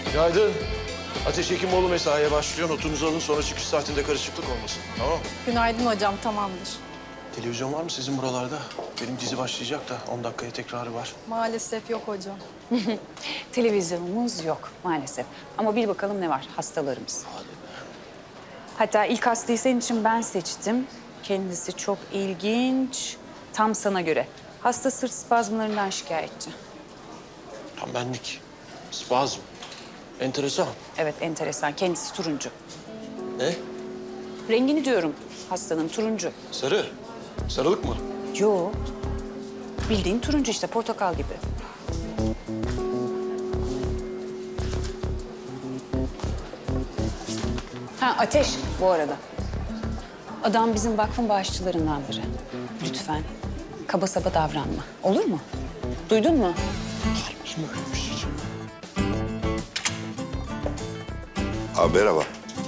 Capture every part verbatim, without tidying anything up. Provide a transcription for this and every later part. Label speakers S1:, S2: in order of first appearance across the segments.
S1: Günaydın. Ateş Hekimoğlu mesaiye başlıyor. Notunuzu alın, sonra çıkış saatinde karışıklık olmasın. Tamam mı?
S2: Günaydın hocam, tamamdır.
S1: Televizyon var mı sizin buralarda? Benim dizi başlayacak da on dakikaya tekrarı var.
S2: Maalesef yok hocam.
S3: Televizyonumuz yok maalesef. Ama bir bakalım ne var hastalarımız. Hatta ilk hastayı senin için ben seçtim. Kendisi çok ilginç. Tam sana göre. Hasta sırt spazmlarından şikayetçi.
S1: Tam benlik. Spazm. Enteresan.
S3: Evet, enteresan. Kendisi turuncu.
S1: Ne?
S3: Rengini diyorum hastanın, turuncu.
S1: Sarı. Sarılık mı?
S3: Yo. Bildiğin turuncu işte, portakal gibi. Ha, Ateş bu arada. Adam bizim vakfın bağışçılarından biri. Lütfen kaba saba davranma. Olur mu? Duydun mu?
S1: Kim öyle bir şey?
S4: Abi merhaba.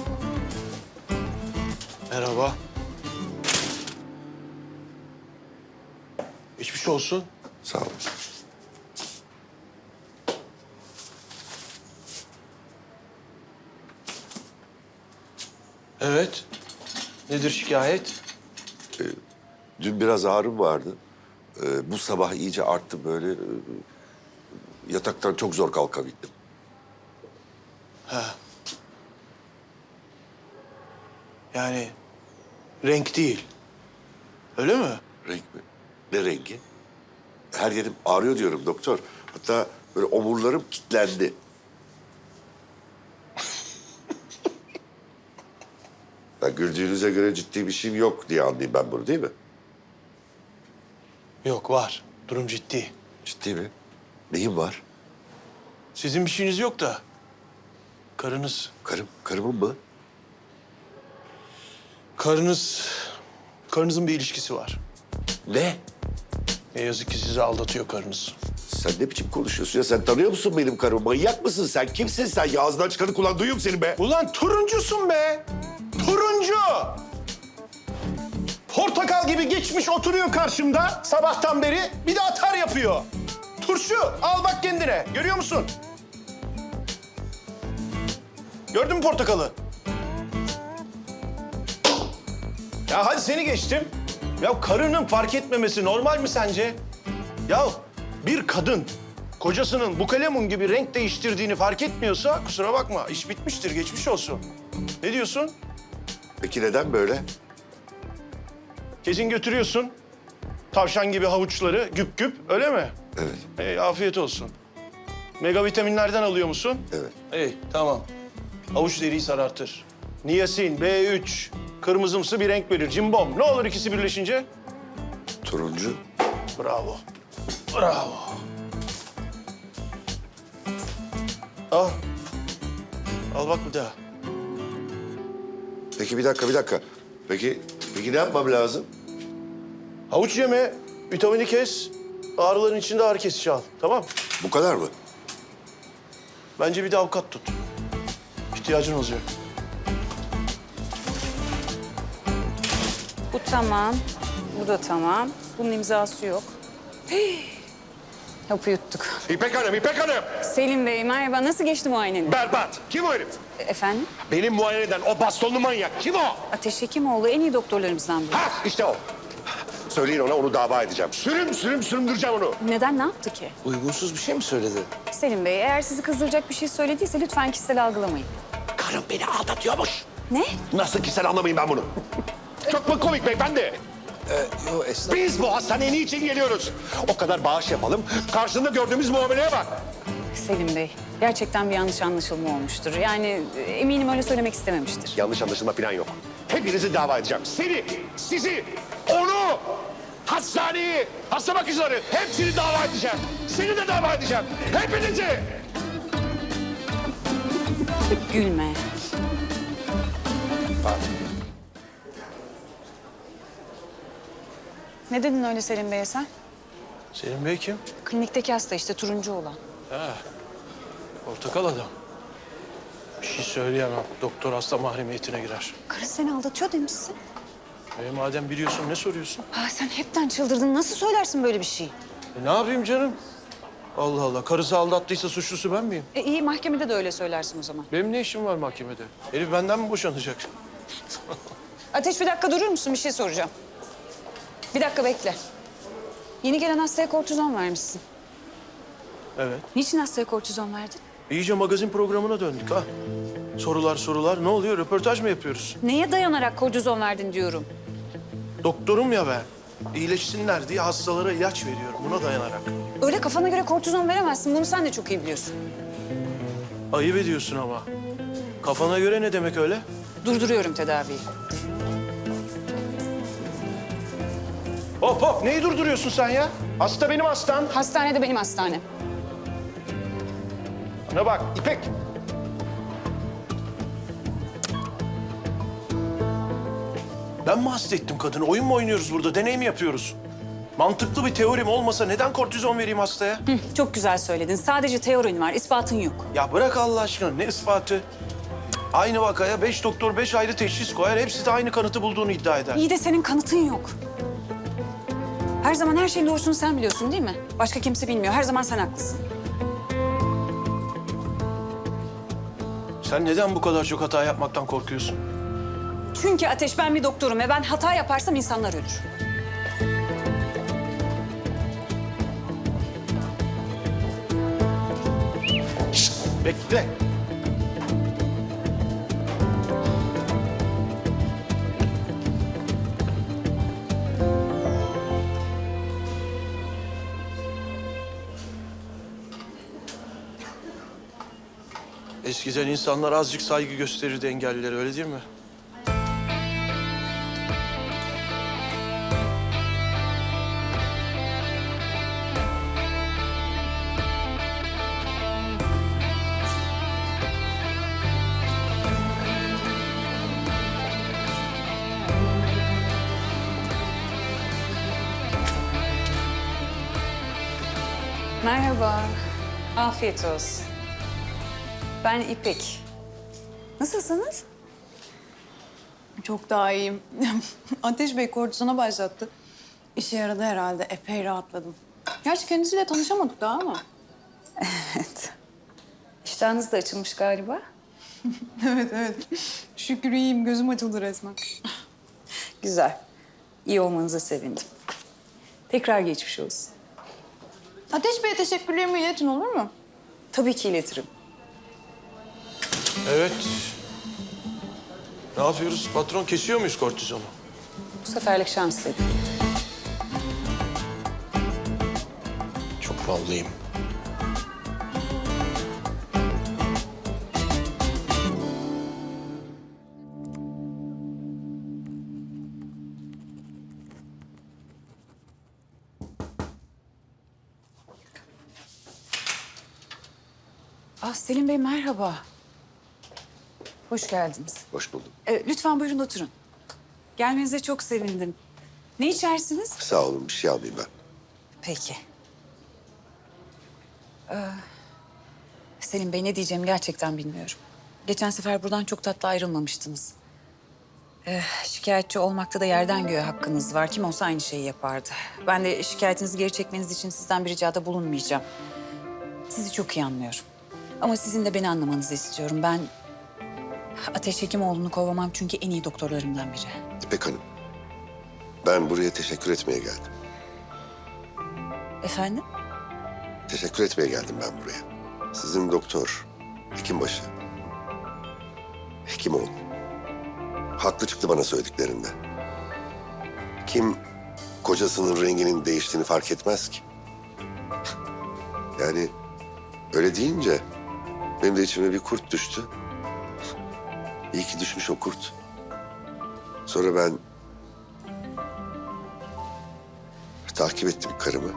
S1: Merhaba. Geçmiş olsun.
S4: Sağ olun.
S1: Evet. Nedir şikayet?
S4: Dün biraz ağrım vardı. Ee, bu sabah iyice arttı böyle. Ee, yataktan çok zor kalkabildim.
S1: Ha. Yani renk değil. Öyle mi?
S4: Renk mi? Ne rengi? Her yerim ağrıyor diyorum doktor. Hatta böyle omurlarım kilitlendi. Ya güldüğünüze göre ciddi bir şeyim yok diye anlayayım ben bunu, değil mi?
S1: Yok, var. Durum ciddi.
S4: Ciddi mi? Neyim var?
S1: Sizin bir şeyiniz yok da karınız,
S4: Karım, karımın mı?
S1: karınız, karınızın bir ilişkisi var.
S4: Ne?
S1: Ne yazık ki sizi aldatıyor karınız.
S4: Sen ne biçim konuşuyorsun ya? Sen tanıyor musun benim karımı? Manyak mısın sen? Kimsin sen? Ya ağzından çıkanı kulağın duyuyor mu senin be?
S1: Ulan turuncusun be! Turuncu! Portakal gibi geçmiş oturuyor karşımda sabahtan beri. Bir de atar yapıyor. Turşu, al bak kendine. Görüyor musun? Gördün mü portakalı? Ya hadi seni geçtim. Ya karının fark etmemesi normal mi sence? Ya bir kadın kocasının bukalemun gibi renk değiştirdiğini fark etmiyorsa kusura bakma, iş bitmiştir, geçmiş olsun. Ne diyorsun?
S4: Peki neden böyle?
S1: Kesin götürüyorsun tavşan gibi havuçları güp güp, öyle mi?
S4: Evet,
S1: Ee, afiyet olsun. Mega vitaminlerden alıyor musun?
S4: evet.
S1: İyi, tamam. Havuç deriyi sarartır. Niyasin, B üç, kırmızımsı bir renk verir. Cimbom. Ne olur ikisi birleşince?
S4: Turuncu.
S1: Bravo. Bravo. Al. Al bak bir daha.
S4: Peki bir dakika, bir dakika. Peki, peki ne yapmam lazım?
S1: Havuç yeme, vitamini kes. Ağrıların içinde ağrı kesici al. Tamam.
S4: Bu kadar mı?
S1: Bence bir de avukat tut. İhtiyacın olacak.
S3: Bu tamam. Bu da tamam. Bunun imzası yok. Hii. Hapı yuttuk.
S5: İpek Hanım, İpek Hanım!
S3: Selim Bey merhaba. Nasıl geçti muayeneniz?
S5: Berbat. Kim o herif?
S3: E, Efendim?
S5: Benim muayeneden o bastonlu manyak. Kim o?
S3: Ateş Hekimoğlu en iyi doktorlarımızdan biri.
S5: Ha, işte o. Söyleyin ona, onu dava edeceğim. Sürüm sürüm süründüreceğim onu.
S3: Neden, ne yaptı ki?
S1: Uygunsuz bir şey mi söyledi?
S3: Selim Bey eğer sizi kızdıracak bir şey söylediyse lütfen kişisel algılamayın.
S5: Karım beni aldatıyormuş.
S3: Ne?
S5: Nasıl ki sen anlamayın ben bunu. Çok mu komik beyefendi?
S1: Ee, yo esnaf.
S5: Biz bu hastaneye niçin geliyoruz? O kadar bağış yapalım. Karşında gördüğümüz muameleye bak.
S3: Selim Bey gerçekten bir yanlış anlaşılma olmuştur. Yani e, eminim öyle söylemek istememiştir.
S5: Yanlış anlaşılma falan yok. Hepinizi dava edeceğim. Seni, sizi, onu, hastaneyi, hasta bakıcıları hepsini dava edeceğim. Seni de dava edeceğim. Hepinizi.
S3: Gülme. Ne dedin öyle Selim Bey'e sen?
S1: Selim Bey kim?
S3: Klinikteki hasta işte turuncu olan.
S1: Ha, portakal adam. Bir şey söyleyemem. Doktor hasta mahremiyetine girer.
S3: Karı seni aldatıyor demişsin.
S1: E, madem biliyorsun ne soruyorsun?
S3: Ha, sen hepten çıldırdın. Nasıl söylersin böyle bir şey?
S1: E, ne yapayım canım? Allah Allah. Karısı aldattıysa suçlusu ben miyim?
S3: E iyi, mahkemede de öyle söylersin o zaman.
S1: Benim ne işim var mahkemede? Herif benden mi boşanacak?
S3: Ateş, bir dakika durur musun? Bir şey soracağım. Bir dakika bekle. Yeni gelen hastaya kortizon vermişsin.
S1: Evet.
S3: Niçin hastaya kortizon verdin?
S1: İyice magazin programına döndük ha. Sorular sorular. Ne oluyor? Röportaj mı yapıyoruz?
S3: Neye dayanarak kortizon verdin diyorum.
S1: Doktorum ya ben. İyileşsinler diye hastalara ilaç veriyorum. Buna dayanarak.
S3: Öyle kafana göre kortizon veremezsin. Bunu sen de çok iyi biliyorsun.
S1: Ayıp ediyorsun ama. Kafana göre ne demek öyle?
S3: Durduruyorum tedaviyi.
S1: Hop hop. Neyi durduruyorsun sen ya? Hasta benim hastam.
S3: Hastanede benim hastanem.
S1: Bana bak İpek. Ben mi hasta ettim kadını? Oyun mu oynuyoruz burada? Deney mi yapıyoruz? Mantıklı bir teorim olmasa neden kortizon vereyim hastaya?
S3: Hı, çok güzel söyledin. Sadece teorin var, ispatın yok.
S1: Ya bırak Allah aşkına. Ne ispatı? Aynı vakaya beş doktor beş ayrı teşhis koyar. Hepsi de aynı kanıtı bulduğunu iddia eder.
S3: İyi de senin kanıtın yok. Her zaman her şeyin doğrusunu sen biliyorsun değil mi? Başka kimse bilmiyor. Her zaman sen haklısın.
S1: Sen neden bu kadar çok hata yapmaktan korkuyorsun?
S3: Çünkü Ateş, ben bir doktorum ve ben hata yaparsam insanlar ölür.
S1: Bekle. Eskiden insanlar azıcık saygı gösterirdi engellilere, öyle değil mi?
S3: Merhaba. Afiyet olsun. Ben İpek. Nasılsınız?
S2: Çok daha iyiyim. Ateş Bey kortizona başlattı. İşe yaradı herhalde. Epey rahatladım. Gerçi kendisiyle tanışamadık daha ama.
S3: Evet. İştahınız da açılmış galiba.
S2: Evet, evet. Şükür iyiyim. Gözüm açıldı resmen.
S3: Güzel. İyi olmanıza sevindim. Tekrar geçmiş olsun.
S2: Ateş Bey'e teşekkürlerimi iletin olur mu?
S3: Tabii ki iletirim.
S1: Evet. Ne yapıyoruz? Patron kesiyor muyuz kortizonu?
S3: Bu seferlik şans dedim.
S1: Çok ballıyım.
S3: Ah Selim Bey, merhaba. Hoş geldiniz.
S4: Hoş buldum.
S3: Ee, lütfen buyurun oturun. Gelmenize çok sevindim. Ne içersiniz?
S4: Sağ olun, bir şey almayayım ben.
S3: Peki. Ee, Selim Bey, ne diyeceğimi gerçekten bilmiyorum. Geçen sefer buradan çok tatlı ayrılmamıştınız. Ee, şikayetçi olmakta da yerden göğe hakkınız var. Kim olsa aynı şeyi yapardı. Ben de şikayetinizi geri çekmeniz için sizden bir ricada bulunmayacağım. Sizi çok iyi anlıyorum. Ama sizin de beni anlamanızı istiyorum. Ben Ateş Hekimoğlu'nu kovamam çünkü en iyi doktorlarımdan biri.
S4: İpek Hanım, ben buraya teşekkür etmeye geldim.
S3: Efendim?
S4: Teşekkür etmeye geldim ben buraya. Sizin doktor, hekimbaşı, Hekimoğlu. Haklı çıktı bana söylediklerinde. Kim kocasının renginin değiştiğini fark etmez ki? Yani öyle deyince benim de içime bir kurt düştü. İyi ki düşmüş o kurt. Sonra ben takip ettim karımı.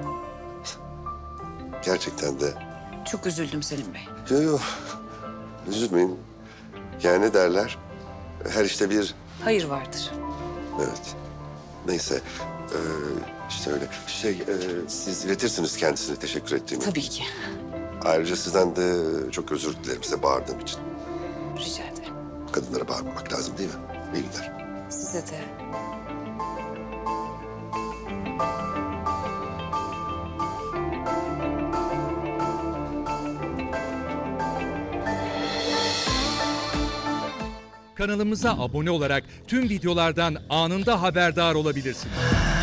S4: Gerçekten de
S3: Çok üzüldüm Selim Bey.
S4: yok yok üzülmeyin. Yani ne derler? Her işte bir
S3: Hayır vardır.
S4: evet. Neyse ee, işte öyle. Şey ee, siz iletirsiniz kendisine teşekkür ettiğimi.
S3: Tabii ki.
S4: Ayrıca sizden de çok özür dilerim size bağırdığım için.
S3: Rica ederim.
S4: Kadınlara bağırmamak lazım değil mi? İyi günler.
S3: Size de.
S6: Kanalımıza abone olarak tüm videolardan anında haberdar olabilirsiniz.